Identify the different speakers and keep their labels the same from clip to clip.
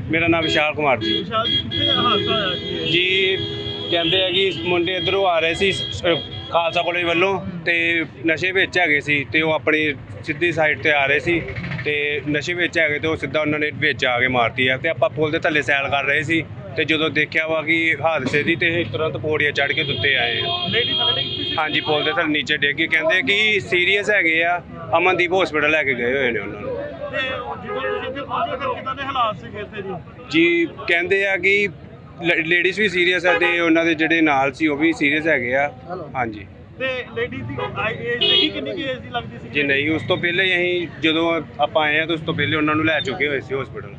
Speaker 1: मेरा नाम विशाल कुमार जी।
Speaker 2: विशाल जी कितने हादसा होया
Speaker 1: जी ਕਹਿੰਦੇ ਆ ਕਿ ਮੁੰਡੇ ਇੱਧਰੋਂ ਆ ਰਹੇ ਸੀ ਖਾਲਸਾ ਕਾਲਜ ਵੱਲੋਂ ਤੇ ਨਸ਼ੇ ਵਿੱਚ ਹੈਗੇ ਸੀ ਤੇ ਉਹ ਆਪਣੀ ਸਿੱਧੀ ਸਾਈਡ ਤੇ ਆ ਰਹੇ ਸੀ ਤੇ ਨਸ਼ੇ ਵਿੱਚ ਹੈਗੇ ਤੇ ਉਹ ਸਿੱਧਾ ਉਹਨਾਂ ਨੇ ਵਿੱਚ ਆ ਕੇ ਮਾਰਤੀ ਹੈ ਤੇ ਆਪਾਂ ਪੁਲ ਦੇ ਥੱਲੇ ਸੈਲ ਕਰ ਰਹੇ ਸੀ ਤੇ ਜਦੋਂ ਦੇਖਿਆ ਵਾ ਕਿ ਹਾਦਸੇ ਦੀ ਤੇ ਤੁਰੰਤ ਪੌੜੀਆਂ ਚੜ੍ਹ ਕੇ ਦੁੱਤੇ ਆਏ ਆ। ਹਾਂਜੀ, ਪੁਲ ਦੇ ਥੱਲੇ ਨੀਚੇ ਡਿੱਗ ਕੇ ਕਹਿੰਦੇ ਕਿ ਸੀਰੀਅਸ ਹੈਗੇ ਆ, ਅਮਨਦੀਪ ਹਸਪੀਟਲ ਲੈ ਕੇ ਗਏ ਹੋਏ ਨੇ ਉਹਨਾਂ ਨੂੰ। ਜੀ ਕਹਿੰਦੇ ਆ ਕਿ ਲੇਡੀਜ਼ ਵੀ ਸੀਰੀਅਸ ਹੈ ਤੇ ਉਹਨਾਂ ਦੇ ਜਿਹੜੇ ਨਾਲ ਸੀ ਉਹ ਵੀ ਸੀਰੀਅਸ ਹੈਗੇ ਆ। ਹਾਂਜੀ
Speaker 2: ਤੇ ਲੇਡੀਜ਼ ਦੀ ਏਜ ਦੇਖੀ ਕਿੰਨੀ ਕੀ ਏਜ ਦੀ ਲੱਗਦੀ ਸੀ
Speaker 1: ਜੀ? ਨਹੀਂ, ਉਸ ਤੋਂ ਪਹਿਲੇ ਹੀ ਅਸੀਂ ਜਦੋਂ ਆਪਾਂ ਆਏ ਆ ਤਾਂ ਉਸ ਤੋਂ ਪਹਿਲੇ ਉਹਨਾਂ ਨੂੰ ਲੈ ਚੁੱਕੇ ਹੋਏ ਸੀ ਹਸਪੀਟਲ।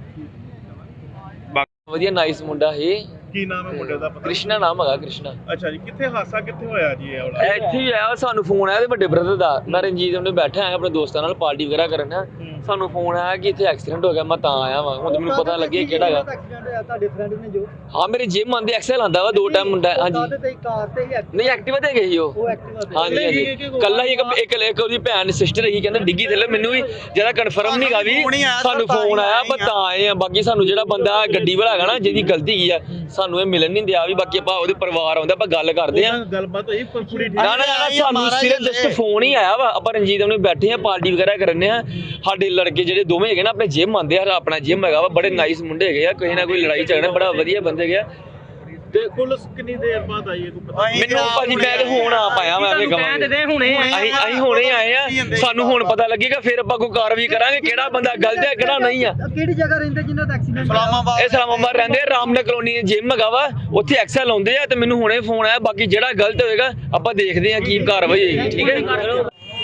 Speaker 3: ਵਧੀਆ ਨਾਈਸ ਮੁੰਡਾ ਹੈ।
Speaker 2: ਕੀ ਨਾਮ ਹੈ ਮੁੰਡੇ ਦਾ? ਪਤਾ
Speaker 3: ਕ੍ਰਿਸ਼ਨਾ ਨਾਮ ਹੈਗਾ, ਕ੍ਰਿਸ਼ਨਾ।
Speaker 2: ਅੱਛਾ ਜੀ, ਕਿੱਥੇ ਹਾਦਸਾ ਕਿੱਥੇ ਹੋਇਆ ਜੀ ਇਹ ਵਾਲਾ?
Speaker 3: ਇੱਥੇ ਹੀ ਆਇਆ, ਸਾਨੂੰ ਫੋਨ ਆਇਆ ਤੇ ਵੱਡੇ ਬ੍ਰਦਰ ਦਾ। ਮੈਂ ਰਣਜੀਤ ਉਹਨੇ ਬੈਠਾ ਆਇਆ ਆਪਣੇ ਦੋਸਤਾਂ ਨਾਲ ਪਾਰਟੀ ਵਗੈਰਾ ਕਰਨ। ਸਾਨੂੰ ਫੋਨ ਆਇਆ ਕਿ ਇੱਥੇ ਐਕਸੀਡੈਂਟ ਹੋ ਗਿਆ। ਮੈਂ ਤਾਂ ਆਇਆ ਵਾਂ, ਹੁਣ ਮੈਨੂੰ ਪਤਾ ਲੱਗਿਆ ਕਿਹੜਾ ਹੈਗਾ।
Speaker 4: ਐਕਸੀਡੈਂਟ ਹੋਇਆ ਤੁਹਾਡੇ ਫਰੈਂਡ ਨੇ ਜੋ?
Speaker 3: ਹਾਂ, ਮੇਰੇ ਜਿਮ ਆਂਦੇ ਐਕਸਲ ਆਂਦਾ ਵਾ 2 ਟਾਈਮ ਮੁੰਡਾ। ਹਾਂਜੀ,
Speaker 4: ਤੇ ਕਾਰ ਤੇ ਹੀ
Speaker 3: ਨਹੀਂ ਐਕਟਿਵਾ ਤੇ ਗਏ ਸੀ
Speaker 4: ਉਹ ਐਕਟਿਵਾ ਤੇ।
Speaker 3: ਹਾਂਜੀ ਹਾਂਜੀ, ਕੱਲਾ ਹੀ ਇੱਕ ਉਹਦੀ ਭੈਣ ਸਿਸਟਰ ਹੀ ਕਹਿੰਦੇ ਡਿੱਗੀ ਥੱਲੇ। ਮੈਨੂੰ ਵੀ ਜਿਆਦਾ ਕਨਫਰਮ ਨਹੀਂ ਗਾ ਵੀ ਸਾਨੂੰ ਫੋਨ ਆਇਆ, ਪਰ ਤਾਂ ਆਏ ਆ। ਬਾਕੀ ਸਾਨੂੰ ਜਿਹੜਾ ਬੰਦਾ ਗੱਡੀ ਵਾਲਾ ਹੈਗਾ ਨਾ, ਜਿਹਦੀ ਗਲਤੀ ਕੀ ਆ, ਸਾਨੂੰ ਇਹ ਮਿਲਣ ਨਹੀਂ ਦਿਆ ਵੀ। ਬਾਕੀ ਆਪਾਂ ਉਹਦੇ ਪਰਿਵਾਰ ਆਉਂਦਾ, ਆਪਾਂ ਗੱਲ ਕਰਦੇ ਆ।
Speaker 2: ਗੱਲਬਾਤ ਹੋਈ ਪੂਰੀ?
Speaker 3: ਨਾ ਸਾਨੂੰ ਸਿਰਫ ਜਸਟ ਫੋਨ ਹੀ ਆਇਆ ਵਾ। ਆਪਾਂ ਰਣਜੀਤ ਉਹਨੇ ਬੈਠੇ ਆ, ਪਾਰਟੀ ਵਗੈਰਾ ਕਰਨੇ ਆ। ਸਾਡੇ ਲੜਕੇ ਜਿਹੜੇ ਦੋਵੇਂ ਹੈਗੇ ਨਾ, ਆਪਣੇ ਜਿਮ ਆਉਂਦੇ ਆ, ਆਪਣਾ ਜਿਮ ਹੈਗਾ ਵਾ। ਬੜੇ ਨਾਈਸ ਮੁੰਡੇ ਹੈਗੇ ਆ, ਕਿਸੇ ਨਾ ਕੋਈ ਲੜਾਈ ਝਗੜਾ, ਬੜਾ ਵਧੀਆ ਬੰਦੇ ਹੈਗੇ ਆ।
Speaker 2: ਤੇ ਪੁਲਿਸ ਕਿੰਨੀ ਦੇਰ ਬਾਅਦ ਆਈ ਹੈ ਕੋਈ ਪਤਾ?
Speaker 3: ਮੈਨੂੰ ਭਾਜੀ ਮੈਂ ਤੇ ਹੁਣ ਆ ਪਾਇਆ, ਮੈਂ ਵੀ ਕਹਾਂਗੇ ਅਸੀਂ ਹੁਣੇ ਆਏ ਆ। ਸਾਨੂੰ ਹੁਣ ਪਤਾ ਲੱਗੇਗਾ, ਫਿਰ ਆਪਾਂ ਕੋਈ ਕਾਰਵਾਈ ਕਰਾਂਗੇ ਕਿਹੜਾ ਬੰਦਾ ਗਲਤ ਹੈ ਕਿਹੜਾ ਨਹੀਂ ਆ।
Speaker 4: ਕਿਹੜੀ ਜਗ੍ਹਾ ਰਹਿੰਦੇ ਜਿਨ੍ਹਾਂ ਦਾ ਐਕਸੀਡੈਂਟ?
Speaker 3: ਇਹ ਇਸਲਾਮਾਬਾਦ ਰਹਿੰਦੇ ਆ, ਰਾਮਨਗਰ ਕਲੋਨੀ ਜਿਮ ਹੈਗਾ ਵਾ, ਉੱਥੇ ਐਕਸਲ ਆਉਂਦੇ ਆ। ਤੇ ਮੈਨੂੰ ਹੁਣੇ ਫੋਨ ਆਇਆ। ਬਾਕੀ ਜਿਹੜਾ ਗਲਤ ਹੋਏਗਾ ਆਪਾਂ ਦੇਖਦੇ ਆ ਕੀ ਕਾਰਵਾਈ ਹੋਏਗੀ। ਠੀਕ ਹੈ।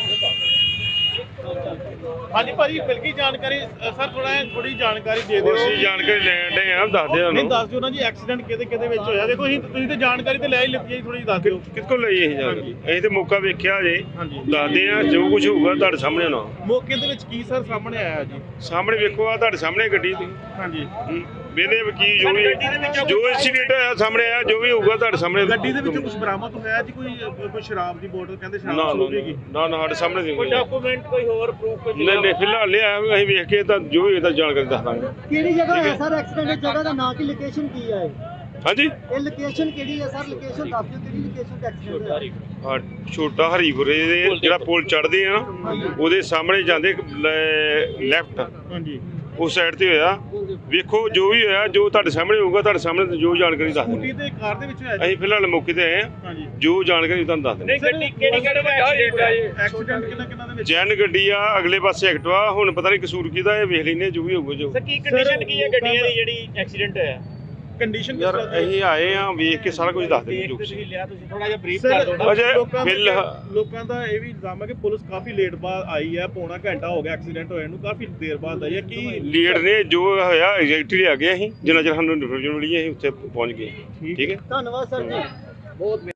Speaker 2: ਹਾਂਜੀ ਭਾਜੀ, ਮਿਲ ਗਈ ਜਾਣਕਾਰੀ ਸਰ? ਥੋੜੀ ਜਾਣਕਾਰੀ ਦੇ ਦਿਓ।
Speaker 1: ਅਸੀਂ ਜਾਣਕਾਰੀ ਲੈਣ ਦੇ ਆ, ਦੱਸ ਦਿਓ
Speaker 2: ਨਹੀਂ ਦੱਸ ਦਿਓ ਨਾ ਜੀ, ਐਕਸੀਡੈਂਟ ਕਿਹਦੇ ਵਿੱਚ ਹੋਇਆ? ਦੇਖੋ ਤੁਸੀਂ ਤੇ ਜਾਣਕਾਰੀ ਤੇ ਲੈ ਹੀ ਲਿੱਤੀ ਹੈ, ਥੋੜੀ ਦੱਸ ਦਿਓ।
Speaker 1: ਕਿੱਥੋਂ ਲਈ ਅਸੀਂ ਜਾਣਕਾਰੀ? ਅਸੀਂ ਤੇ ਮੌਕਾ ਵੇਖਿਆ ਜੇ,
Speaker 2: ਹਾਂਜੀ
Speaker 1: ਦੱਸਦੇ ਆ ਜੋ ਕੁਝ ਹੋਊਗਾ ਤੁਹਾਡੇ ਸਾਹਮਣੇ ਹੋਣਾ।
Speaker 2: ਮੌਕੇ ਦੇ ਵਿੱਚ ਕੀ ਸਰ ਸਾਹਮਣੇ ਆਇਆ ਜੀ?
Speaker 1: ਸਾਹਮਣੇ ਵੇਖੋ, ਆ ਤੁਹਾਡੇ ਸਾਹਮਣੇ ਗੱਡੀ ਦੀ।
Speaker 2: ਹਾਂਜੀ,
Speaker 1: ਵੇਲੇ ਵਕੀਲ ਜੋ ਇੰਸੀਡੈਂਟ ਹੋਇਆ ਸਾਹਮਣੇ ਆ, ਜੋ ਵੀ ਹੋਊਗਾ ਤੁਹਾਡੇ ਸਾਹਮਣੇ।
Speaker 2: ਗੱਡੀ ਦੇ ਵਿੱਚੋਂ ਕੁਝ ਬਰਾਮਦ ਹੋਇਆ ਜੀ? ਕੋਈ ਸ਼ਰਾਬ ਦੀ ਬੋਤਲ? ਕਹਿੰਦੇ
Speaker 1: ਨਾ
Speaker 2: ਸ਼ਰਾਬ ਹੋਵੇਗੀ।
Speaker 1: ਨਾ ਨਾ, ਸਾਡੇ ਸਾਹਮਣੇ
Speaker 2: ਕੋਈ ਡਾਕੂਮੈਂਟ, ਕੋਈ ਹੋਰ ਪ੍ਰੂਫ?
Speaker 1: ਨਹੀਂ ਫਿਲਹਾਲ ਲਿਆ, ਅਸੀਂ ਵੇਖ ਕੇ ਤਾਂ ਜੋ ਵੀ ਇਹਦਾ ਜਾਣਕਾਰੀ ਦੱਸ ਦਾਂਗੇ।
Speaker 4: ਕਿਹੜੀ ਜਗ੍ਹਾ ਹੋਇਆ ਸਰ ਐਕਸੀਡੈਂਟ? ਜਗ੍ਹਾ ਦਾ ਨਾਂ ਕੀ, ਲੋਕੇਸ਼ਨ ਕੀ ਹੈ?
Speaker 1: ਹਾਂਜੀ,
Speaker 4: ਇਹ ਲੋਕੇਸ਼ਨ ਕਿਹੜੀ ਹੈ ਸਰ? ਲੋਕੇਸ਼ਨ ਦੱਸ ਦਿਓ, ਕਿਹੜੀ ਲੋਕੇਸ਼ਨ ਤੇ ਐਕਸੀਡੈਂਟ ਹੋਇਆ?
Speaker 1: ਛੋਟਾ ਹਰੀਪੁਰੇ ਦੇ ਜਿਹੜਾ ਪੁਲ ਚੜ੍ਹਦੇ ਆ ਨਾ, ਉਹਦੇ ਸਾਹਮਣੇ ਜਾਂਦੇ ਲੈਫਟ,
Speaker 2: ਹਾਂਜੀ
Speaker 1: ਉਸ ਸਾਈਡ ਤੇ ਹੋਇਆ। ਵੇਖੋ ਜੋ ਵੀ ਹੋਇਆ, ਜੋ ਤੁਹਾਡੇ ਸਾਹਮਣੇ ਹੋਊਗਾ, ਤੁਹਾਡੇ ਸਾਹਮਣੇ ਜੋ ਜਾਣਕਾਰੀ ਦੱਸ
Speaker 2: ਸਕੂਟੀ
Speaker 1: ਦਿੰਦੇ।
Speaker 2: ਤੇ ਕਾਰ ਦੇ ਵਿੱਚ ਹੋਇਆ ਜੀ?
Speaker 1: ਅਸੀਂ ਫਿਲਹਾਲ ਮੌਕੇ ਤੇ ਆਏ ਆ,
Speaker 2: ਹਾਂਜੀ।
Speaker 1: ਜੋ ਜਾਣਕਾਰੀ ਤੁਹਾਨੂੰ ਦੱਸ ਦਿੰਦੇ।
Speaker 2: ਗੱਡੀ ਐਕਸੀਡੈਂਟ ਕਿੰਨਾ ਦੇ ਵਿੱਚ?
Speaker 1: ਜੈਨ ਗੱਡੀ ਆ, ਅਗਲੇ ਪਾਸੇ ਐਕਟਿਵਾ। ਹੁਣ ਪਤਾ ਨਹੀਂ ਕਸੂਰ ਕਿਹਦਾ, ਇਹ ਵੇਖ ਲੈਨੇ ਜੋ ਵੀ ਹੋਊਗਾ। ਜੋ
Speaker 2: ਕੀ ਕੰਡੀਸ਼ਨ ਕੀ ਹੈ ਗੱਡੀਆਂ ਦੀ ਜਿਹੜੀ ਐਕਸੀਡੈਂਟ ਹੋਇਆ? ਕੰਡੀਸ਼ਨ
Speaker 1: ਯਾਰ ਅਸੀਂ ਆਏ ਆ, ਵੇਖ ਕੇ ਸਾਰਾ ਕੁਝ ਦੱਸ ਦਿੰਦੇ। ਜੋ
Speaker 2: ਤੁਸੀਂ ਥੋੜਾ ਜਿਹਾ ਬਰੀਫ ਕਰ ਦਿਓ ਨਾ।
Speaker 1: ਅਜੇ
Speaker 2: ਲੋਕਾਂ ਦਾ ਇਹ ਵੀ ਇਲਜ਼ਾਮ ਹੈ ਕਿ ਪੁਲਿਸ ਕਾਫੀ ਲੇਟ ਬਾਅਦ ਆਈ ਹੈ, ਪੌਣਾ ਘੰਟਾ ਹੋ ਗਿਆ ਐਕਸੀਡੈਂਟ ਹੋਏ ਨੂੰ, ਕਾਫੀ ਦੇਰ ਬਾਅਦ ਆਈ ਹੈ। ਕੀ
Speaker 1: ਲੀਡ ਨੇ ਜੋ ਹੋਇਆ ਐਗਜ਼ੈਕਟਲੀ ਆ ਗਏ ਅਸੀਂ, ਜਿੰਨਾ ਚਿਰ ਸਾਨੂੰ ਇਨਫੋਰਮੇਸ਼ਨ ਮਿਲੀ ਅਸੀਂ ਉੱਥੇ ਪਹੁੰਚ ਗਏ। ਠੀਕ ਹੈ,
Speaker 4: ਧੰਨਵਾਦ ਸਰ ਜੀ, ਬਹੁਤ